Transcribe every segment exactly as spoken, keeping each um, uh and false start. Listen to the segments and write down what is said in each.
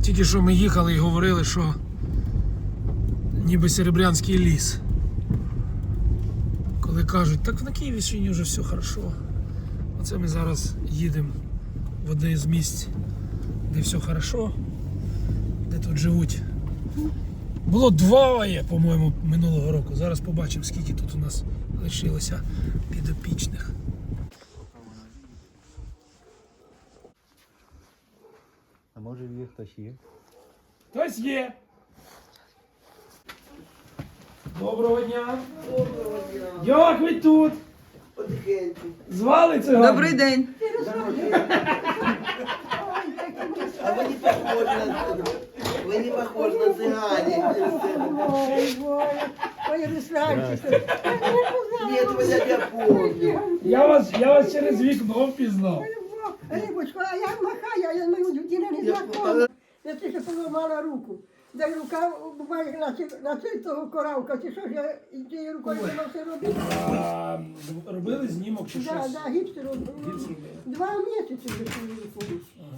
Тільки що ми їхали і говорили, що ніби Серебрянський ліс. Коли кажуть, так на Київщині вже все хорошо. Оце ми зараз їдемо в одне з місць, де все хорошо, де тут живуть. Було двоє, по-моєму, минулого року. Зараз побачимо, скільки тут у нас лишилося підопічних. А може в їх хтось є? Хтось є. Доброго дня. Доброго дня. Як ви тут? Потихеньку. Звали циган? Добрий день. А вы не похожи на вы не похожи на цыгане. Ой, Боже, ой, Русланчик. Нет, вы я тебя помню. Я вас, я вас через вікно впізнав. Рибочко, а я махаю, а я мою людину не знакома. Я тільки поламала руку. Дай рука, буває, на цей, на цей того коравка, ти що ж я і тією рукою не все робити? А, робили знімок чи Да, щось? да, гіпс робив. Гіпс робили. Два місяці вже свою руку.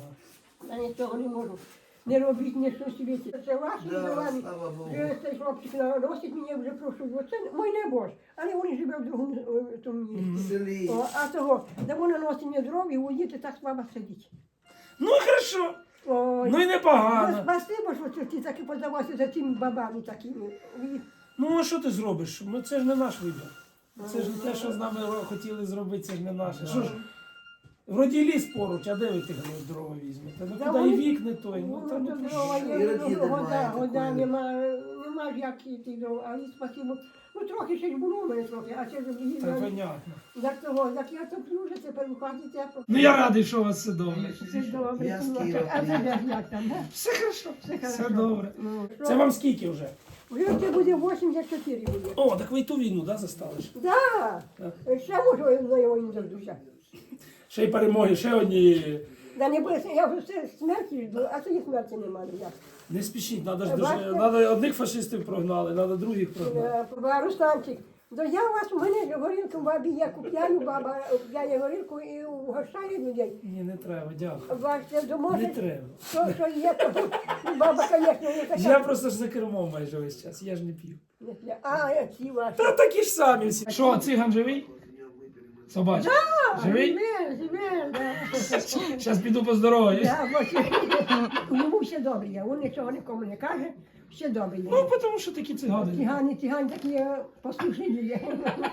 Я нічого не можу. Не робіть, не щось світі. Це ваші Да, ділами. слава Богу. Цей хлопчик носить мене вже прошу. Оце мой небож. Але він живе в другому е, тому місці. Селі. О, а того, де вона носить мені дров і уїдете так слабо сидіть. Ну і хорошо. Ой. Ну і Ну, непогано. спасибо, що ти таки подавався за цими бабами такими. І- Ну а що ти зробиш? Ну це ж не наш вибір. Це ж не те, що з нами хотіли зробити, це ж не наше. Що ж, вроді ліс поруч, а де ви тих дрова візьмете? Ну Да куди і вони- вік не той. Ну, Ну, там, то ну, дрова І є, родини ну, года, немає года такої. нема, нема ж як йти дрова, але спасибо. Ну трохи ще ж було у мене трохи, а ще ж так їздили. понятно. Як того, як я топлю вже тепер у хаті тепло. Ну я радий, що у вас все добре. Все добре. Я з ну, Києва а це приїхав. де як там, да? Все хорошо. Все Все хорошо. добре. Ну, Це вам скільки вже? Вже це буде вісімдесят чотири буде. О, так ви й ту війну, да, застали? ж? Да. Так. Ще можу на його не дождуся. Ще й перемоги, ще одні. Да не буде, я вже все смерті жду, а цієї смерті немає ніяк. Не спішіть, надо ж Бачите? дуже. Надо одних фашистів прогнали, надо других прогнали. Е, Русланчик, то я у вас у мене горілку бабі, я купляю, баба купляє горілку і угощає людей. Ні, не треба, дякую. Бачите, то Не може, треба. що, що є, то баба, звісно, не така. Я просто ж за кермом майже весь час, я ж не п'ю. А, я ці ваші. Та такі ж самі всі. Що, циган живий? Собачка? Живий? Живе, живе, да. Зараз піду поздороваюсь. Да, бо йому все добре, є, він нічого нікому не каже, все добре є. Ну, тому що такі цигани. Цигани, цигани такі е, послушні люди.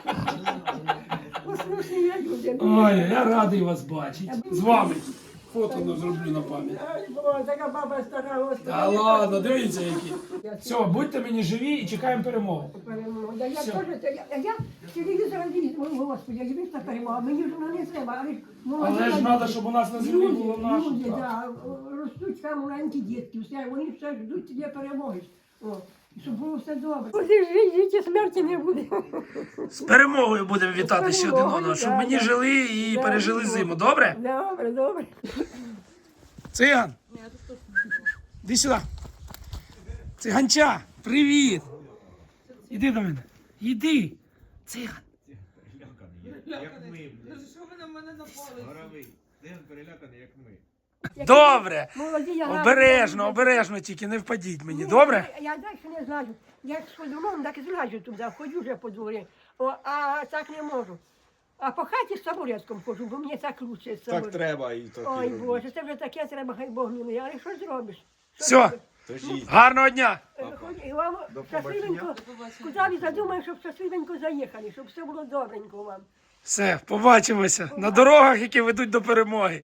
Послушні люди. Ой, я радий вас бачити. З вами. Фото не зроблю на пам'ять. Ай, Боже, така баба стара, ось Та така. ладно, дивіться які. Все, будьте мені живі і чекаємо перемоги. Перемога. Да, я Все. теж, це- я, я телевізор дивлюсь, о, Господи, я дивлюсь на перемогу, мені ж воно не треба, але ж молоді Але ж люди, треба, щоб у нас на землі люди, було наше. люди, так. да, ростуть там маленькі дітки, все, вони все ждуть цієї перемоги. О, і щоб було все добре. Буде життя, смерті не буде. З перемогою будемо вітати ще один перемогою, одного, щоб да, мені да. жили і Да, пережили ну. зиму. Добре? Добре, добре. Циган. Іди сюди. Циганча, привіт. Іди до мене. Іди. Циган. Як ми, блядь. Що ви на мене напали? Горовий. Циган переляканий, як ми. Добре. Молоді, я гарна. Обережно, обережно тільки, не впадіть мені, добре? Я, я далі не злажу. Як сходу дому, так і злажу туди, ходжу вже по дворі. О, а так не можу. А по хаті з табуретком ходжу, бо мені так лучше з Так табуретком. треба і то. Ой, Боже, це вже таке треба, хай Бог милує. Але що зробиш? Що Все. зробиш? Тож їсть. Гарного дня. Е, хоч- І вам До щасливенько, куди ви задумаєте, щоб щасливенько заїхали, щоб все було добренько вам. Все, побачимося на дорогах, які ведуть до перемоги.